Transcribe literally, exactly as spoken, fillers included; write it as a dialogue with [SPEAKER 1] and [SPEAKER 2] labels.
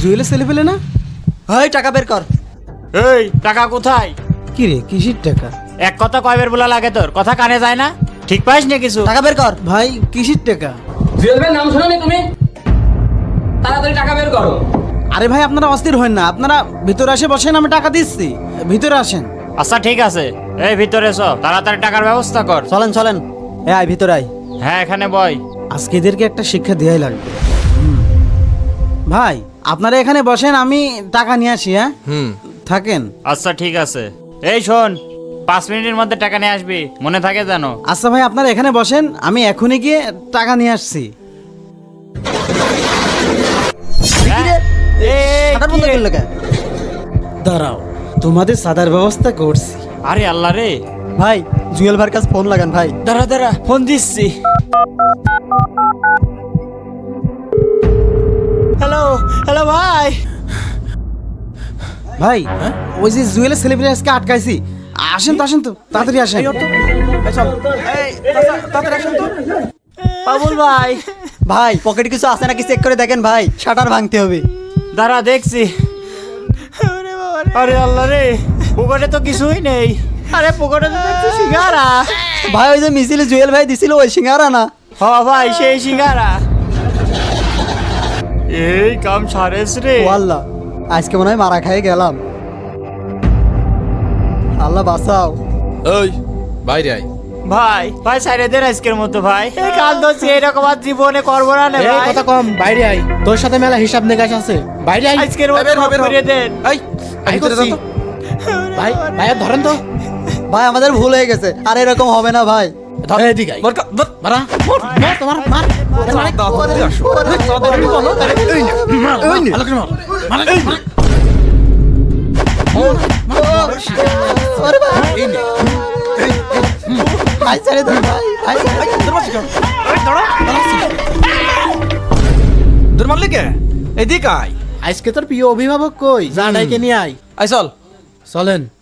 [SPEAKER 1] জুয়েলের ছেলে পেলে না?
[SPEAKER 2] এই টাকা বের কর।
[SPEAKER 3] এই টাকা কোথায়?
[SPEAKER 1] কি রে, কিসের টাকা?
[SPEAKER 3] এক কথা কয়বার বলা লাগে তোর? কথা কানে যায় না? ঠিক পাইস না কিছু?
[SPEAKER 2] টাকা বের কর।
[SPEAKER 1] ভাই কিসের টাকা?
[SPEAKER 4] জুয়েল ভাইয়ের নাম শোনোনি তুমি? তাড়াতাড়ি টাকা বের করো।
[SPEAKER 1] আরে ভাই আপনারা অস্থির হন না, আপনারা ভিতরে আসে বসেন, আমি টাকা দিচ্ছি, ভিতরে আসেন।
[SPEAKER 3] আচ্ছা ঠিক আছে, এই ভিতরে এসো, তাড়াতাড়ি টাকার ব্যবস্থা কর।
[SPEAKER 2] চলেন চলেন। এ আয় ভিতরে আয়।
[SPEAKER 3] হ্যাঁ এখানে বয়।
[SPEAKER 1] আজকে এদেরকে একটা শিক্ষা দেওয়াই লাগবে। হুম। ভাই আপনারা এখানে বসেন, আমি টাকা নিয়ে আসি। হ্যাঁ
[SPEAKER 5] হুম
[SPEAKER 1] থাকেন।
[SPEAKER 3] আচ্ছা ঠিক আছে, এই শোন, পাঁচ মিনিটের মধ্যে টাকা নিয়ে আসবি, মনে থাকে জানো?
[SPEAKER 1] আচ্ছা ভাই আপনারা এখানে বসেন, আমি এখনই গিয়ে টাকা নিয়ে আসছি।
[SPEAKER 3] হ্যাঁ? এই,
[SPEAKER 2] টাকা
[SPEAKER 3] কি
[SPEAKER 2] বন্ধ
[SPEAKER 3] রে?
[SPEAKER 2] করলে কেন?
[SPEAKER 1] দাঁড়াও, তোমাদের সাদার ব্যবস্থা করছি।
[SPEAKER 3] আরে আল্লাহ রে,
[SPEAKER 2] ভাই জুয়েল ভাইয়ের কাছে ফোন লাগান ভাই।
[SPEAKER 3] দাঁড়া দাঁড়া, ফোন দিচ্ছি। হ্যালো হ্যালো ভাই।
[SPEAKER 1] ভাই ওই যে জুয়েলের সেলিব্রিটি আজকে আটকাইছি, আসেন তো আসেন তো, তাড়াতাড়ি আসেন।
[SPEAKER 3] বাবুল ভাই,
[SPEAKER 2] ভাই পকেটে কিছু আছে নাকি চেক করে দেখেন ভাই, শাটার ভাঙতে হবে।
[SPEAKER 3] দাঁড়া দেখছি। আরে আল্লাহ রে, পকেটে তো কিছুই নেই। আরে পকেটে তো দেখছি সিঙ্গারা।
[SPEAKER 2] ভাই ওই যে মিছিলে জুয়েল ভাই দিছিল ওই সিঙ্গারা না?
[SPEAKER 3] হ ভাই, সেই সিঙ্গারা। এই কাম সারেস রে।
[SPEAKER 2] ও আল্লাহ, আজকে মনে হয় মারা খাইয়ে গেলাম। আল্লাহ বাঁচাও।
[SPEAKER 5] ওই বাইরে আয়।
[SPEAKER 3] ভাই ভাই সাইরে দেন আজকের মতো ভাই, এই কাল ধরছি, এরকম আর জীবনে করবো না।
[SPEAKER 6] এই
[SPEAKER 3] ভাই
[SPEAKER 6] কথা কম, বাইরে আই, তোর সাথে মেলা হিসাব নিকাশ আছে, বাইরে আই।
[SPEAKER 3] আজকের মতো
[SPEAKER 5] বের হ, বের হ।
[SPEAKER 3] করে দেন।
[SPEAKER 5] এই
[SPEAKER 6] আই
[SPEAKER 5] ভিতরে
[SPEAKER 6] করছি।
[SPEAKER 5] যা তো।
[SPEAKER 6] ভাই ভাইয়া ধরেন তো।
[SPEAKER 2] ভাই আমাদের ভুল হয়ে গেছে, আর এরকম হবে না ভাই।
[SPEAKER 6] ধর এদিকে আই।
[SPEAKER 5] মার কা- ধর।
[SPEAKER 6] মারা মোর মোর তোমার মার।
[SPEAKER 5] দাঁত দিয়ে আসো।
[SPEAKER 6] তাড়াতাড়ি বলো, তাড়াতাড়ি। মার, মার, ভালো করে মার। মার, মার।
[SPEAKER 2] ওরে ভাই, ভাই ছেড়ে দেন ভাই, ভাই ছেড়ে দেন।
[SPEAKER 5] দূর মারলি কে? এদিকে আয়।
[SPEAKER 6] আজকে তোর প্রিয় অভিভাবক কই? যা ডাইকে নিয়ে আই।
[SPEAKER 5] আয় চল।
[SPEAKER 6] চলেন।